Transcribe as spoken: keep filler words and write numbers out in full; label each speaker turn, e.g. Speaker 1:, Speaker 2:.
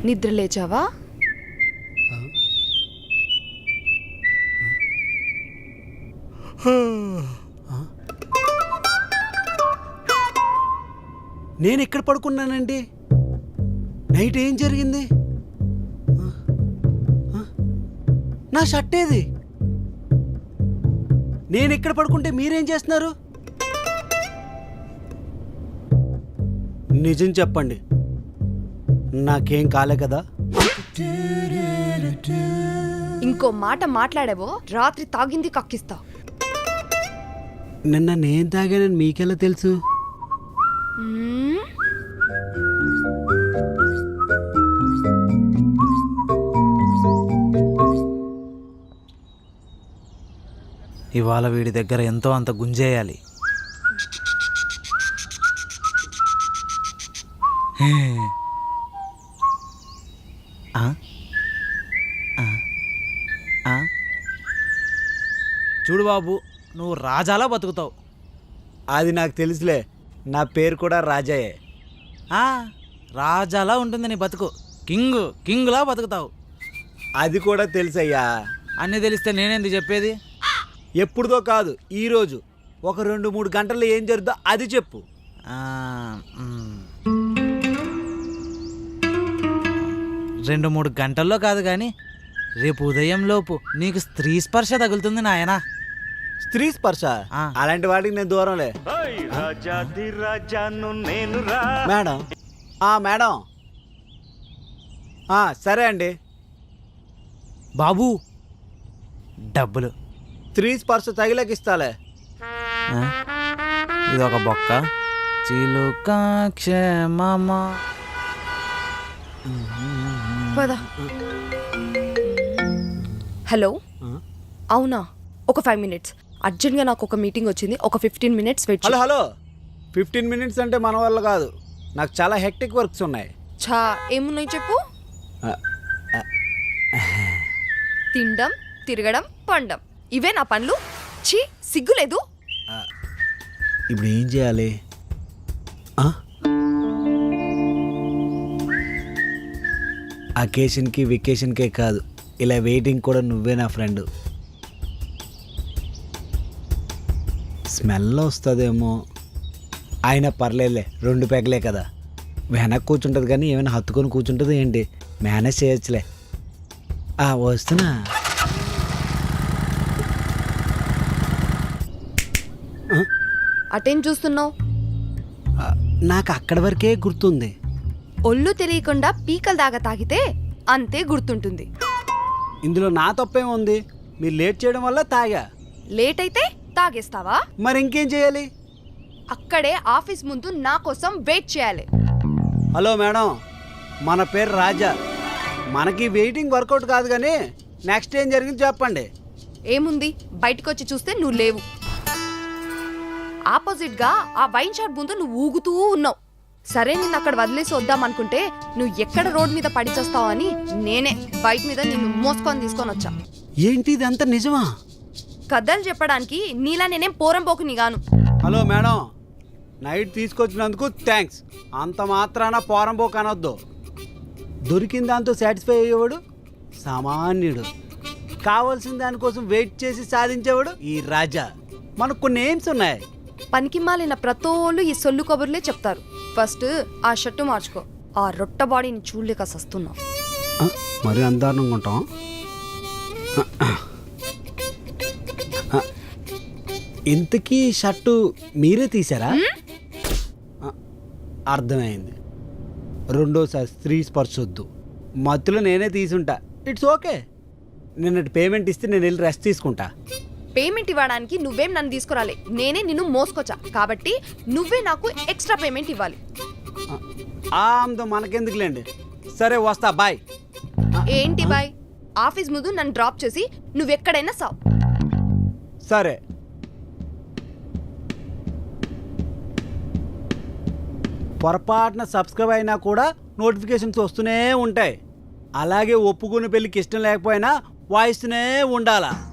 Speaker 1: నిద్ర లేచావా?
Speaker 2: నేను ఎక్కడ పడుకున్నానండి? నైట్ ఏం జరిగింది? నా షర్ట్ ఏది? నేను ఎక్కడ పడుకుంటే మీరేం చేస్తున్నారు? నిజం చెప్పండి, నాకేం కాలే కదా?
Speaker 1: ఇంకో మాట మాట్లాడావో రాత్రి తాగింది కక్కిస్తా.
Speaker 2: నిన్న నేను తాగానని మీకెలా తెలుసు?
Speaker 1: మ్మ్?
Speaker 3: ఇవాళ వీడి దగ్గర ఎంతో అంత గుంజేయాలి. ఆ? ఆ? ఆ? చూడు బాబు, నువ్వు రాజాలా బతుకుతావు.
Speaker 2: అది నాకు తెలుసులే, నా పేరు కూడా రాజాయే.
Speaker 3: ఆ, రాజాలా ఉంటుంది నీ బతుకు. కింగ్ కింగ్లా బతుకుతావు.
Speaker 2: అది కూడా తెలుసయ్యా.
Speaker 3: అన్నీ తెలిస్తే నేనేంది చెప్పేది?
Speaker 2: ఎప్పుడుదో కాదు, ఈరోజు ఒక రెండు మూడు గంటల్లో ఏం జరుగుతుందో అది చెప్పు.
Speaker 3: ఆ, మ్. రెండు మూడు గంటల్లో కాదు కానీ రేపు ఉదయం లోపు నీకు స్త్రీ స్పర్శ తగులుతుంది నాయనా.
Speaker 2: స్త్రీ స్పర్శ?
Speaker 3: ఆ.
Speaker 2: అలాంటి వాటికి నేను దూరంలే. మేడం, ఆ మేడం, ఆ సరే అండి.
Speaker 3: బాబు, డబ్బులు.
Speaker 2: స్త్రీ స్పర్శ తగిలకి ఇస్తాలే.
Speaker 3: ఆ? ఇదొక బొక్క. చిలుక క్షేమమ.
Speaker 1: పద. హలో, అవునా? ఒక ఫైవ్ మినిట్స్ అర్జెంట్గా నాకు ఒక మీటింగ్ వచ్చింది. ఒక fifteen minutes wait.
Speaker 2: Hello hello fifteen minutes అంటే మన వల్ల కాదు, నాకు చాలా హెక్టిక్ వర్క్స్ ఉన్నాయి.
Speaker 1: ఛా, ఏమున్నాయి చెప్పు.
Speaker 2: ఆ, ఆ,
Speaker 1: తినడం, తిరగడం, పండం, ఇవే నా పనులు. ఛీ, సిగ్గులేదు.
Speaker 2: ఇప్పుడు ఏం చేయాలి? ఆ? అకేషన్కి వెకేషన్కే కాదు, ఇలా వెయిటింగ్ కూడా నువ్వే నా ఫ్రెండ్. స్మెల్ వస్తుందేమో, అయినా పర్లేదులే, రెండు పెగలే కదా. వెనక్కి కూర్చుంటుంది కానీ ఏమైనా హత్తుకొని కూర్చుంటుంది ఏంటి? మేనేజ్ చేయొచ్చులే. ఆ, వస్తున్నా.
Speaker 1: అటేం చూస్తున్నావు?
Speaker 2: నాకు అక్కడి వరకే గుర్తుంది.
Speaker 1: ఒళ్ళు తెలియకుండా పీకల దాకా తాగితే అంతే గుర్తుంటుంది.
Speaker 2: ఇందులో నా తప్పేం ఉంది? మీరు లేట్ చేయడం వల్ల తాగా.
Speaker 1: లేట్ అయితే తాగేస్తావా?
Speaker 2: మరి ఇంకేం చేయాలి?
Speaker 1: అక్కడే ఆఫీస్ ముందు నా కోసం వెయిట్ చేయాలి.
Speaker 2: హలో మేడం, మన పేరు రాజా. మనకి వెయిటింగ్ వర్కౌట్ కాదు కానీ నెక్స్ట్ ఏం జరిగింది చెప్పండి.
Speaker 1: ఏముంది, బయటకు వచ్చి చూస్తే నువ్వు లేవు. ఆపోజిట్ గా ఆ వైన్ షాప్ ముందు నువ్వు ఊగుతూ ఉన్నావు. సరే, నిన్ను అక్కడ వదిలేసి వద్దాం అనుకుంటే నువ్వు ఎక్కడ రోడ్ మీద పడిచేస్తావు అని నేనే బైక్ మీద నిన్ను మోసుకొని తీసుకొని వచ్చా.
Speaker 2: ఏంటి, ఇదంతా నిజమా?
Speaker 1: కథలు చెప్పడానికి నీలా నేనేం పోరంపోకుని గాను.
Speaker 2: హలో మేడం, నైట్ తీసుకొచ్చినందుకు థ్యాంక్స్. అంత మాత్రాన పోరంబోకు అనొద్దు. దొరికిన దాంతో సాటిస్ఫై అయ్యేవాడు సామాన్యుడు. కావాల్సిన దానికోసం వెయిట్ చేసి సాధించేవాడు ఈ రాజా. మనకు కొన్ని ఎయిమ్స్ ఉన్నాయి.
Speaker 1: పనికి మాలిన ప్రతోళ్ళు ఈ సొల్లు కబుర్లే చెప్తారు. ఫస్ట్ ఆ షర్టు మార్చుకో. ఆ రొట్ట బాడీని చూడలేక సస్తున్నావు.
Speaker 2: మరి అందారణంగా ఉంటాం. ఇంతకీ షర్టు మీరే తీసారా? అర్థమైంది. రెండోసారి స్త్రీ స్పర్శొద్దు. మత్తులో నేనే తీసుంటా. It's okay. నిన్నటి పేమెంట్ ఇస్తే నేను వెళ్ళి రెస్ట్ తీసుకుంటా.
Speaker 1: పేమెంట్ ఇవ్వడానికి నువ్వేం నన్ను తీసుకురాలే, నేనే నిన్ను మోసుకొచ్చా. కాబట్టి నువ్వే నాకు ఎక్స్ట్రా పేమెంట్ ఇవ్వాలి.
Speaker 2: ఆమ్దో మనకెందుకులేండి. సరే, వస్తా, బాయ్.
Speaker 1: ఏంటి బాయ్? ఆఫీస్ ముందు నన్ను డ్రాప్ చేసి నువ్వెక్కడైనా సావు.
Speaker 2: సరే. పొరపాటున సబ్స్క్రైబ్ అయినా కూడా నోటిఫికేషన్స్ వస్తూనే ఉంటాయి. అలాగే ఒప్పుకుని పెళ్ళికి ఇష్టం లేకపోయినా వాయిస్తూనే ఉండాలా.